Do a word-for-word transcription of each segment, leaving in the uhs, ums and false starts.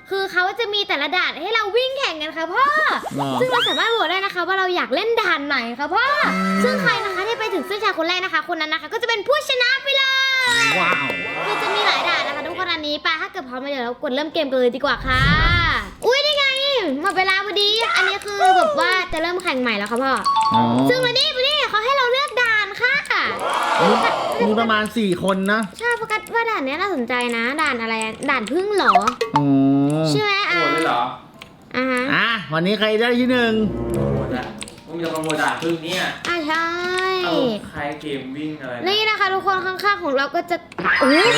คือเขาจะมีแต่ละด่านให้เราวิ่งแข่งกันค่ะพ่อซึ่งเราสามารถโหวตได้นะคะว่าเราอยากเล่นด่านไหนค่ะพ่อซึ่งใครนะคะที่ไปถึงเส้นชัยคนแรกนะคะคนนั้นนะคะก็จะเป็นผู้ชนะไปเลยว้าวคือจะมีหลายด่านนะคะทุกคนอันนี้ไปถ้าเกิดพร้อมแล้วเดี๋ยวเรากดเริ่มเกมกันเลยดีกว่าค่ะอุ้ยนี่ไงหมดเวลาพอดีอันนี้คือแบบว่าจะเริ่มแข่งใหม่แล้วค่ะพ่อซึ่งวันนี้วันนี้เขาให้เราเลือกด่านค่ะมีประมาณสี่คนนะใช่โฟกัสว่าด่านนี้น่าสนใจนะด่านอะไรด่านพึ่งเหรออ๋อใช่ไหมอ่ะโหวตเลยเหรออ่าฮะอ่ะวันนี้ใครได้ที่หนึ่งโหวตอะผมจะขโมยด่านพึ่งเนี่ยอ่ะใช่เอาใครเกมวิ่งอะไรนี่นะคะทุกคนข้างๆของเราก็จะโอ้โห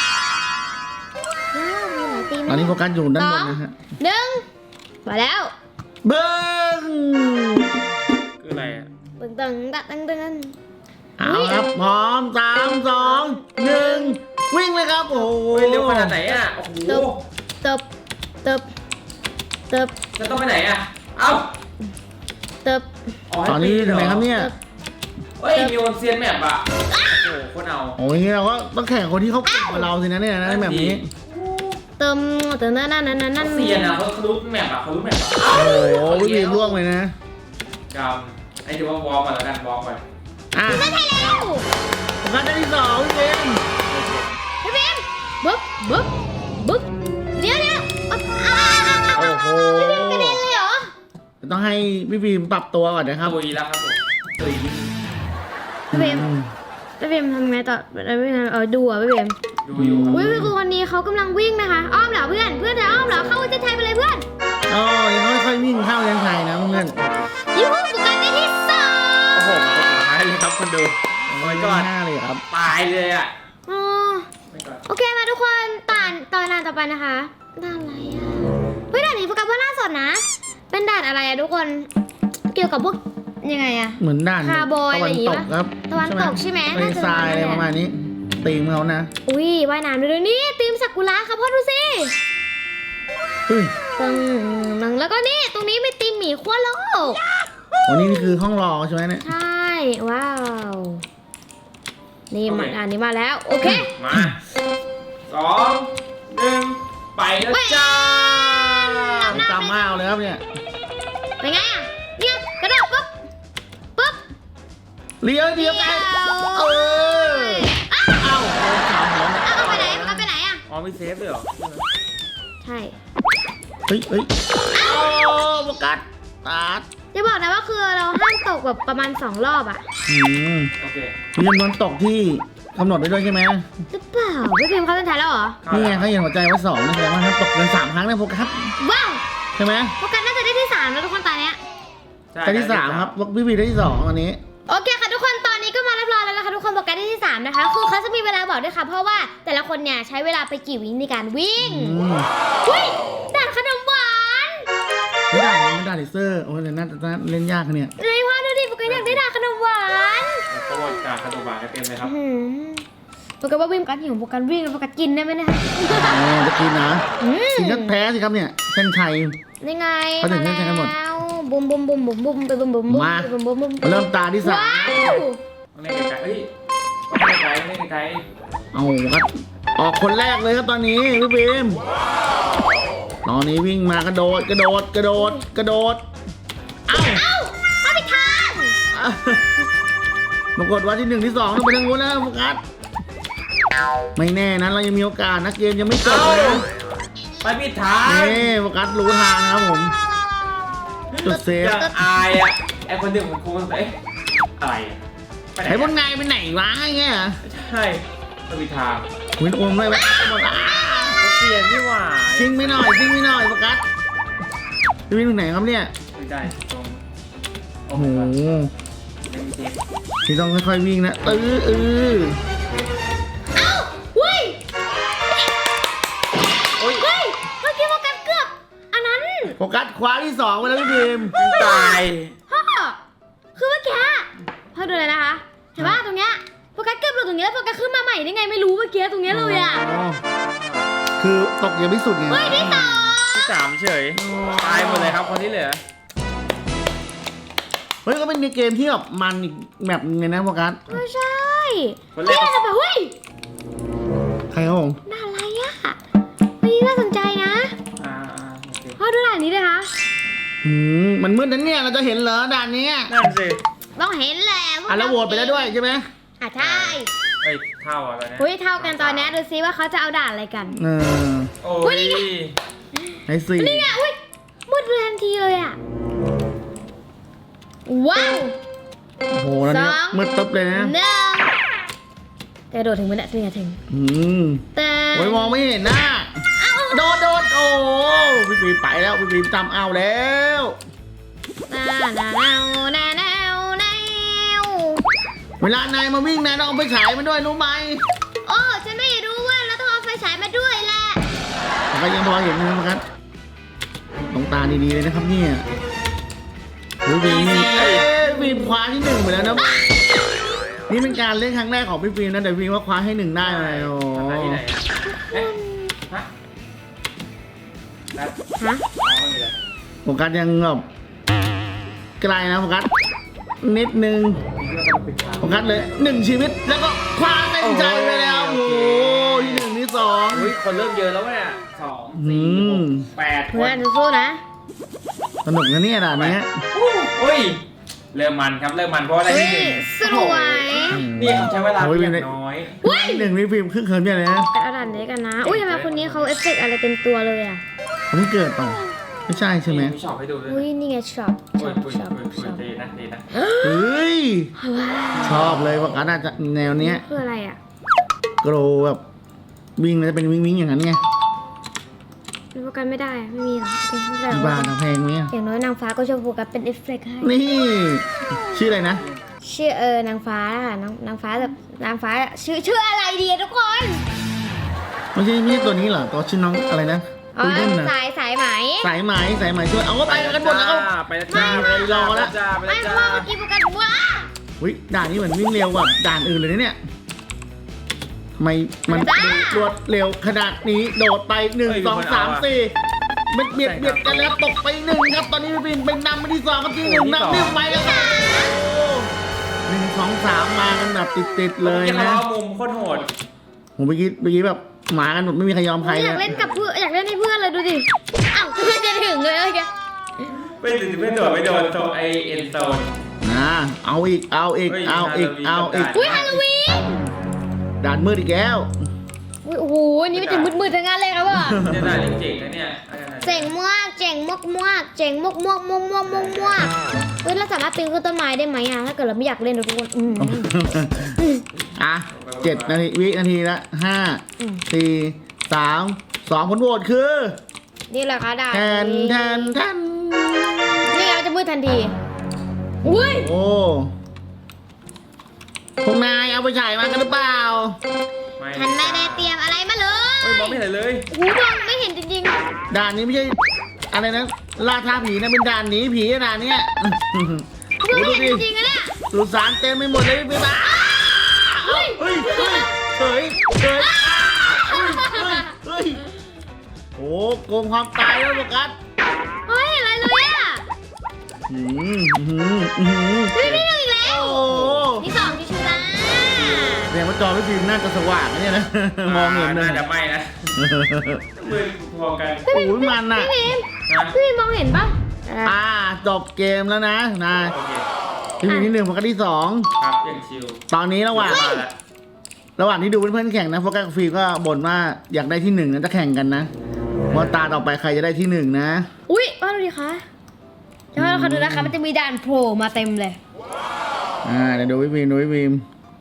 ว้าวมีหลายทีมตอนนี้โฟกัสอยู่ด้านบนนะฮะหนึ่งมาแล้วเบิ้งคืออะไรอ่ะตึงตึงตึงตึงตึงเอาครับพร้อมสามสองหนึ่งวิ่งเลยครับโอ้โหเร็วขนาดไหนอ่ะโอ้โหเติบเติบเติบจะต้องไปไหนอ่ะเอ้าเติบตอนนี้ถึงไหนครับเนี่ยเฮ้ยมีวันเซียนแมปอ่ะโอ้โหคนเอาโอ้ยเราก็ต้องแข่งคนที่เขาเก่งกว่าเราสินะเนี่ยนะแบบนี้เติมเติมนั่นนั่นนั่นนั่นเซียนอ่ะเขารู้แมปอ่ะเขารู้แมปอ่ะโอ้โหวิ่งล่วงเลยนะกำไอ้เดี๋ยวว่าวอลมาแล้วกันวอลมาอ่ะได้แล้วผมก็ได้ที่สองพี่เบมพี่เบมบึ๊บบึ๊บบึ๊บเดี๋ยวเดี๋ยวโอ้โหพี่เบมกระเด็นเลยเหรอต้องให้พี่บีมปรับตัวก่อนนะครับตุยแล้วครับผมตุยพี่เบมพี่เบมทำไงต่อพี่เบมเออดูอ่ะพี่เบมดูอยู่อุ้ยคือคนนี้เขากำลังวิ่งนะคะอ้อมเหรอเพื่อนเพื่อนจะอ้อมเหรอเข้าเส้นชัยไปเลยเพื่อนอ๋อยังค่อยๆวิ่งเข้าเส้นชัยนะเพื่อนยูฮูสุกันได้ที่สองโอ้โหสุดท้ายเลยครับคนดูโอ้ยก็หน้าเลยครับตายเลยอ่ะอ๋อโอเคมาทุกคนต่านตอนด่านต่อไปนะคะด่านอะไรอ่ะเฮ้ยด่านนี้โฟกัสว่าน่าสนนะเป็นด่านอะไรอ่ะทุกคนเกี่ยวกับพวกยังไงอ่ะเหมือนด่านคาร์บอยอะไรอย่างงี้ป่ะครับตะวันตกใช่ไหมน่าจะทรายอะไรประมาณนี้ตีมเขานะอุ้ยว่ายน้ำด้วยนี่ตีมซากุระค่ะพ่อดูสิตึงนึงแล้วก็นี่ตรงนี้มีตีมหมีขั้วโลกโอ้นี่นี่คือห้องรอใช่ไหมเนี่ยใช่ว้าวนี่มาอันนี้มาแล้วโอเคมาสองหนึ่งไปแล้วจ้าจำมาเอาเลยครับเนี่ยเป็นไงอ่ะเนี่ยกระโดดปุ๊บปุ๊บเลี้ยวเลี้ยวไปเอออ้าวเอาเอาไปไหนเอาไปไหนอ่ะอ๋อมีเซฟด้วยเหรอใช่เฮ้ยเฮ้ยโอ้โฟกัสตัดจะบอกนะว่าคือเราห้ามตกแบบประมาณสองรอบอ่ะอืมโอเคมีจำนวนตกที่กำหนดไว้ด้วยใช่ไหมหรือเปล่าพี่พิมพ์เขาเป็นไทยแล้วเหรอนี่ไงเขาเห็นหัวใจว่าสองนะแสดงว่าถ้าตกเกินสามครั้งเนี่ยโฟกัสว้าวใช่ไหมโฟกัสน่าจะได้ที่สามแล้วทุกคนตอนนี้ได้ที่สามครับพี่พีได้ที่สองตอนนี้โอเคค่ะทุกคนตอนนี้ก็มาเรียบร้อยแล้วนะคะทุกคนโฟกัสได้ที่สามนะคะคือเขาจะมีเวลาบอกด้วยค่ะเพราะว่าแต่ละคนเนี่ยใช้เวลาไปกี่วิในการวิ่งอุ้ยด่านขนมหวานไม่ได้ไม่ได้เลเซอร์โอ้ยน่าจะเล่นยากเนี่ยเลยว่าดูดิโฟกัสอยากได้ด่านขนมหวานโปรโมทการขนมหวานเต็มเลยครับโฟกัสว่าวิ่งกันหิวโฟกัสวิ่งแล้วโฟกัสกินได้ไหมเนี่ยอ๋อจะกินนะสิงห์แพ้สิครับเนี่ยเส้นชัยยังไงเขาถึงเส้นชัยกันหมดบุ้มบุ้มบุ้มบุ้มบุ้มไปบุ้มบุ้มบุ้มมาบุ้มบุ้มบุ้มเริ่มตาที่สามเล่นไกลเฮ้ยเล่นไกลเล่นไกลเอาครับออกคนแรกเลยครับตอนนี้พี่บีมตอนนี้วิ่งมากระโดดกระโดดกระโดดกระโดดเอ้าเอ้าเอาไปทางปรากฏว่าที่หนึ่งที่สองต้องไปทางนู้นนะโฟกัสไม่แน่นะเรายังมีโอกาสนะเกมยังไม่จบเลยไปผิดทางนี่โฟกัสรู้ทางนะครับผมจุดเซฟยังอายอ่ะไอคนหนึ่งผมคงเอ๊ะอะไรไอ้พวกนายไปไหนวะเงี้ยใช่ไปผิดทางวินโอมได้ไหมหมดอ่ะเปลี่ยนที่หว่าชิงไม่หน่อยชิงไม่หน่อยโฟกัสจะวิ่งตรงไหนครับเนี่ยไม่ได้ตรงโอ้โหที่ต้องค่อยๆวิ่งนะเออเออเอ้าวิ่งโอ้ยเฮ้ยเมื่อกี้โฟกัสเกือบอันนั้นโฟกัสคว้าที่สองไปแล้วพี่บีมตายพ่อคือเมื่อกี้พ่อดูเลยนะคะเห็นป่ะตรงเนี้ยโฟกัสเกือบหลุดตรงนี้แล้วโฟกัสขึ้นมาใหม่ได้ไงไม่รู้เมื่อกี้ตรงนี้เลยอ่ะคือตกยังไม่สุดไงเฮ้ยที่สองที่สามเฉยตายหมดเลยครับคนที่เหลือเฮ้ยก็เป็นในเกมที่แบบมันอีกแบบนึงเลยนะโฟกัสไม่ใช่คนแรกจะแบบเฮ้ยใครครับผมน่าอะไรอ่ะไม่น่าสนใจนะอ้าวมันมืดนั้นเนี่ยเราจะเห็นเหรอด่านนี้นั่นสิต้องเห็นแหละอ่ะแล้วโหวตไปแล้วด้วยใช่ไหมอ่ะใช่เอ้ยเท่าอะไรเนี่ยอุ้ยเท่ากันตอนนี้ดูซิว่าเขาจะเอาด่านอะไรกันเออโอ้อุ๊ยยนี่ไงไอ้สี่นี่ไงอุ้ยมืดเลยทันทีเลยอ่ะว้าวโอ้โหแล้วเนี่ยสองมืดตึ๊บเลยนะหนึ่งแต่โดดถึงมันเนี่ยถึงจะถึงอืมแต่โอ้ยมองไม่เห็นหน้าโดดโดดโอ้พี่ปีไปแล้วพี่ปีจำเอาแล้วนานาแนวแนวแนวแนวเวลานายมาวิ่งนายต้องเอาไปฉายมันด้วยรู้ไหมโอ้ฉันไม่รู้ว่าเราต้องเอาไฟฉายมาด้วยแหละแต่ก็ยังพอเห็นนะครับตรงตาดีๆเลยนะครับเนี่ยพี่ปีเอ้ยพี่คว้าที่หนึ่งไปแล้วนะนี่เป็นการเล่นครั้งแรกของพี่ปีนะแต่พี่ว่าคว้าให้หนึ่งได้เลยโอ้ทำได้ที่ไหนอะเอ๊ะฮะนัดฮะอ๋อไม่มีอะไรโฟกัสยังแบบไกลนะโฟกัสนิดนึงนี่ก็ต้องปิดทางโฟกัสเลยหนึ่งชีวิตแล้วก็คว้าเต็มใจไปแล้วโอโอ้เคโหที่หนึ่งที่สองอุ้ยคนเริ่มเยอะแล้วเนี่ยสองสี่อืหมกแปดคเพื่อนนสู้ๆนะสนุกนะเนี่ยด่านนี้อุ้ยเริ่มมันครับเริ่มมันเพราะอะไรเฮ้ที่หนึ่ยงสวยนี่ผมใช้เวลาเพียงน้อยหนึ่งพี่ฟิล์มครึ่งเคิร์มเนี่ยเลยนะแต่เอาด่านนี้กันนะ อุ้ยทำไมคนนี้เขาเอฟเฟกต์อะไรเต็มตัวเลยอ่ะเขาไม่เกิดต่อไม่ใช่ใช่ไหมมีช็อปให้ดูด้วยอุ้ยนี่ไงช็อปอุ้ช็ยอปอุ้ยช็อปอุ้ยช็อปดีนะดีนะเฮ้ยว้าวชอบเลยว่าการน่าจะแนวเนี้ยคืออะไรอ่ะโกรแบบวิ่งแล้วจะเป็นวิ่งวิ่งอย่างนั้นไงดูโฟกัสไม่ได้อะไม่มีหรอกโอเคไม่เป็นไรที่บ้านทำเพลงเนี้ยอย่างน้อยนางฟ้าก็จะโฟกัสเป็นเอฟเฟกต์ให้นี่ชื่ออะไรนะชื่อเออนางฟ้าค่ะนางนางฟ้าแบบนางฟ้าชื่อชื่ออะไรดีอะทุกคนไม่ใช่ไม่ใช่ตัวนี้เหรอตัวชื่อน้องอะไรนะอ๋อคุยเล่นนะสายสายไหมสายไหมสายไหมช่วยเอาก็ไปกันหมดแล้วก็ไปแล้วจ้าไม่ไม่รอแล้วจ้าไปไม่แล้วเพราะจ้าว่าเมื่อกี้โฟกัสว้าอุ้ยด่านนี้เหมือนวิ่งเร็วกว่าด่านอื่นเลยนะเนี่ยทำไมมันรวดเร็วขนาดนี้โดดไปหนึ่งสองสามสี่เบียดเบียดเบียดกันแล้วตกไปหนึ่งครับตอนนี้พี่ปินเป็นนำไปที่สองครับที่หนึ่งนำเรียบไปแล้วครับหนึ่งสองสามมากันแบบติดๆเลยยังนะล้อมุมโคตรโหดผมเมื่อกี้เมื่อกี้แบบหมากันหมดไม่มีใครยอมใครอเลยยากเล่นกับเพื่อนอยากเล่นให้เพื่อนเลยดูดิอ้าวเพื่อนจะถึงเลยเมื่อกี้ไม่ถึงไม่โดดไม่โดนโซไอเอ็นโซนนะเอาอีกเอาอีกเฮ้ยเอาอีกฮาเอาโลวีนอีกอุ้ยฮาโลวีนด่านมืดอีกแล้วอุ้ยโอ้โหอันนี่มันจะมืดๆทั้งนั้นเลยครับว่ะเนี่ยได้เจ๋งนะเนี่ยเจ๋งมากเจ๋งมากมากเจ๋งมากมากมากมากมากมากเฮ้ยเราสามารถปีนขึ้นต้นไม้ได้ไหมอ่ะถ้าเกิดเราไม่อยากเล่นนะทุกคนอืมอ่ะเจ็ดนาทีวินาทีละห้าอืมสี่สามสองผลโหวตคือนี่แหละค่ะดาแทนแทนแทนนี่เราจะมืดทันทีอุ้ยโอ้พวกนายเอาไปฉายมากันหรือเปล่าฉันไม่ได้เตรียมอะไรมาเลยเฮ้ยมองไม่เห็นเลยหูมองไม่เห็นจริงด่านนี้ไม่ใช่อะไรนะล่าท้าผีนะเป็นด่านหนีผีด่านเนี้ยๆมองโอ้ไม่ดูเห็นดิจริงๆอะเนี่ยสุสานเต็มไปหมดเลยพี่บ้าเฮ้ยเฮ้ยเฮ้ยเฮ้ยเฮ้ยเฮ้ยโอ้โกงความตายแล้วโฟกัสเฮ้ยอะไรเลยอ่ะอืมอืมอืมเฮ้ยนี่หนึ่งอีกแล้วโอ้นี่สองที่ชูนะแสดงว่าจอพี่ฟิล์มน่าจะสว่างนะเนี่ยนะ มองเห็นนะน่าจะไม่นะมือพอกันโอ้ยมันอ่ะพี่พิมนะพี่พิมมองเห็นปะอ่าจบเกมแล้วนะนะโอเคพี่ฟิล์มที่หนึ่งโฟกัสที่สองครับยังชิลตอนนี้ระหว่างมาแล้วระหว่างที่ดูเพื่อนๆแข่งนะโฟกัสกับฟิล์มก็บ่นว่าอยากได้ที่หนึ่งนะจะแข่งกันนะว่าตาต่อไปใครจะได้ที่หนึ่งนะอุ้ยว่าดูดิคะเดี๋ยวเราขอดูนะคะมันจะมีด่านโผล่มาเต็มเลยอ่าเดี๋ยวดูพี่ฟิล์มดูพี่ฟิล์ม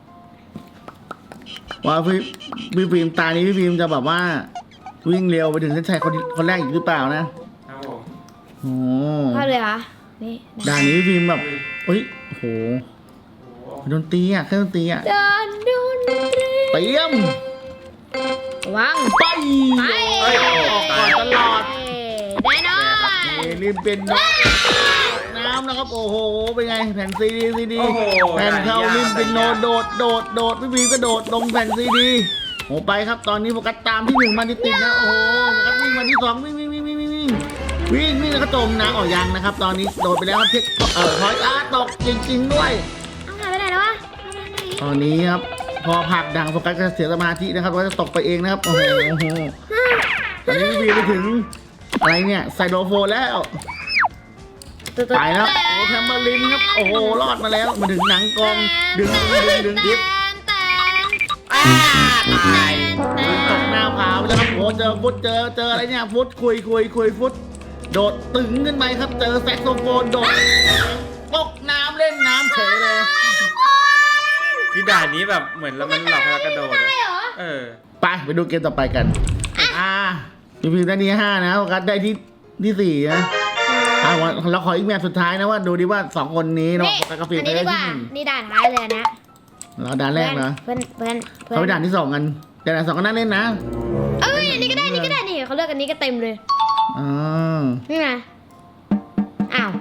ว่าพี่พี่ฟิล์มตานี้พี่ฟิล์มจะแบบว่า วิ่งเร็วไปถึงเส้นชัยคนคนแรกอีกหรือเปล่านะครับผมโอ้ว่าเลยคะนี่ด่านนี้พี่ฟิล์มแบบเอ้ยโอ้โหโอ้โหดนตรีอ่ะเครื่องดนตรีอ่ะด่านดนตรีเตรียมวางไปไปเฮ้ยออกก่อนตลอดแน่นอนนี่รีบเป็นน้ำน้ำนะครับโอ้โหเป็นไงแผ่นซีดีซีดีโอ้โหแผ่นเข้าริมเป็นโนโดดโดดโดดพี่ฟิล์มก็โดดลงแผ่นซีดีโอ้ไปครับตอนนี้โฟกัสตามที่หนึ่งมาติดๆนะโอ้โหโฟกัสวิ่งมาที่สองวิ่งวิ่งวิ่งวิ่งวิ่งวิ่งวิ่งวิ่งแล้วก็จมน้ำออกยังนะครับ ตอนนี้โดดไปแล้วครับเทคเอ่อพอยอาร์ตกจริง ๆ ด้วยเอาหายไปไหนแล้ววะเอาไปไหนตอนนี้ครับพอผลักดังโฟกัสก็เสียสมาธินะครับว่าจะตกไปเองนะครับโอ้โหโอ้โหตอนนี้พี่ฟิล์มไปถึงอะไรเนี่ยไซโลโฟนแล้วไปแล้วโอ้แทมเบอร์ลินครับโอ้โหรอดมาแล้วมาถึงหนังกองดึงดึงดึงดึงดิฟอ้าตายตกหน้าผาไปแล้วครับโอ้เจอฟุตเจอเจออะไรเนี่ยฟุตคุยคุยคุยฟุตโดดตึงขึ้นไปครับเจอแซกโซโฟนโดดตกน้ำเล่นน้ำเฉยเลยที่ด่านนี้แบบเหมือนแล้วมันหลอกให้เรากระโดดอะใช่เหรอเออไปไปดูเกมต่อไปกันอ่าพี่พิมพ์ได้ที่ห้านะโฟกัสได้ที่ที่สี่นะอ่าเราขออีกแมตช์สุดท้ายนะว่าดูดิว่าสองคนนี้เนาะนี่โฟกัสกับฟิล์อัมนนี้ได้ดีกที่ว่าหนึ่งนี่ด่านท้ายเลยนะเราด่านแรกเหรอเพื่อนเพื่อนเพื่อนเขาไปด่านที่สองกันแต่ด่านสองก็น่าเล่นนะเอ้ยอันนี้ก็ได้อันนี่ก็ได้นี่เขาเลือกอันนี้ก็เต็มเลยอ๋อนี่ไงอ้าว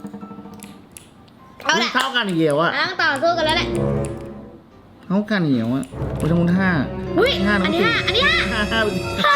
เอาอุ๊แหยละเท่ากันอีกเดียวอะต้องต่อสู้กันแล้วแหละเท่ากันอีกเดียวอะโอ้ยทั้งหมดห้าอุ้ยห้าอันนี้สี่ห้าอันนี้ห้าห้าห้า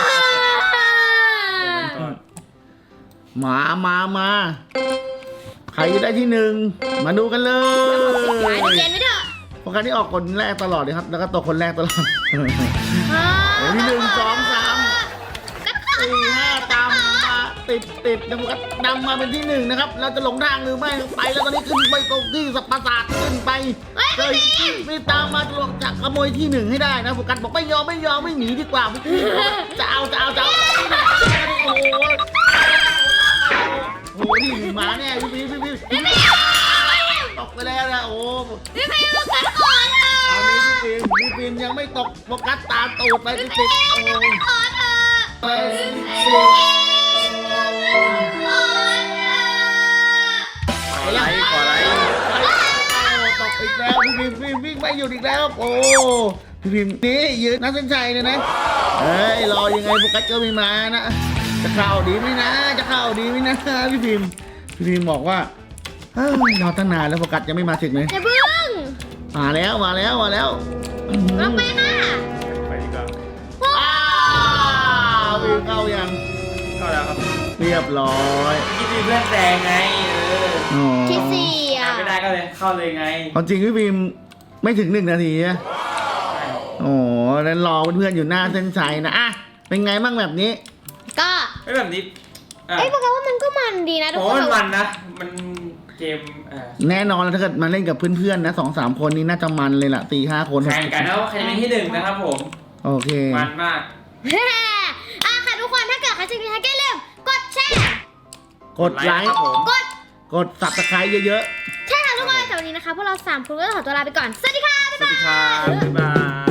มามามาใครจะได้ที่หนึ่งมาดูกันเลหายยเย็นไม่เถอะโฟกัสที่ออกคนแรกตลอดเลยครับแล้วก็ตกคนแรกตลอดอ่าโอ้ยที่หนึ่งสองสามสี่ห้าตามมาติดติดนะโฟกัสนำมาเป็นที่หนึ่งนะครับเราจะหลงทางหรือไม่ไปแล้วตอนนี้ขึ้นไปตรงที่สัปปะสาทขึ้นไปเฮ้ยไม่ตามมาจะขโมยที่หนึ่งให้ได้นะโฟกัสบอกไม่ยอมไม่ยอมไม่หนีดีกว่าพี่จะเอาจะเอาจะเอาโอ้โหโอ้โหนี่หมาแน่พี่พี่พี่พี่ตกไปแล้วนะโอ้พี่ไปมากันก่อนเถอะตอนนี้พี่ฟิล์มพี่ฟิล์มยังไม่ตกโฟกัสตามตูดไปติดติดโอ้โหก่อนเถอะไปติดขอไลค์ขอไลค์ตกอีกแล้วพี่พิมพี่วิ่งไม่หยุดอีกแล้วโอ้พี่พิมนี่ยืนนักเส้นชัยเลยนะเฮ้ยรอยังไงโฟกัสก็ไม่มานะจะเข้าดีไหมนะจะเข้าดีไหมนะพี่พิมพี่พิมบอกว่าเฮ้ยรอตั้งนานแล้วโฟกัสยังไม่มาถึงเลยอย่าเพิ่งมาแล้วมาแล้วมาแล้วลงไปค่ะไปดีกว่าอ้าววิวเข้ายังเข้าแล้วครับเรียบร้อยคิดมีเพื่อนแซงไงเอออ๋อที่สี่อ่ะไม่ได้ก็เลยเข้าเลยไงความจริงพี่พิมไม่ถึงหนึ่งนาทีนะโอ้แล้วรอเพื่อนๆอยู่หน้าเส้นชัยนะอ่ะเป็นไงบ้างแบบนี้ก็ไม่แบบนี้อ่ะเอ้ยบอกว่ามันก็มันดีนะทุกโอ้คนมันมันนะ มันเกมเอ่อแน่นอนแล้วถ้าเกิดมาเล่นกับเพื่อนๆนะสองสามคนนี้น่าจะมันเลยล่ะตีห้าคนหแข่งกันนะว่าใครจะเป็นที่หนึ่งนะครับผมโอเคมันมากอ่ะค่ะทุกคนถ้าเกิดใครชอบคลิปนี้อย่าลืมกดแชร์กดไลคค์รับผมกดกดสับตะไคร้เยอะใช่ค่ะทุกคนแต่วันนี้นะคะพวกเราสามคนก็ต้องขอตัวลาไปก่อน สวัสดีค่ะสวัสดีครับบ๊ายบาย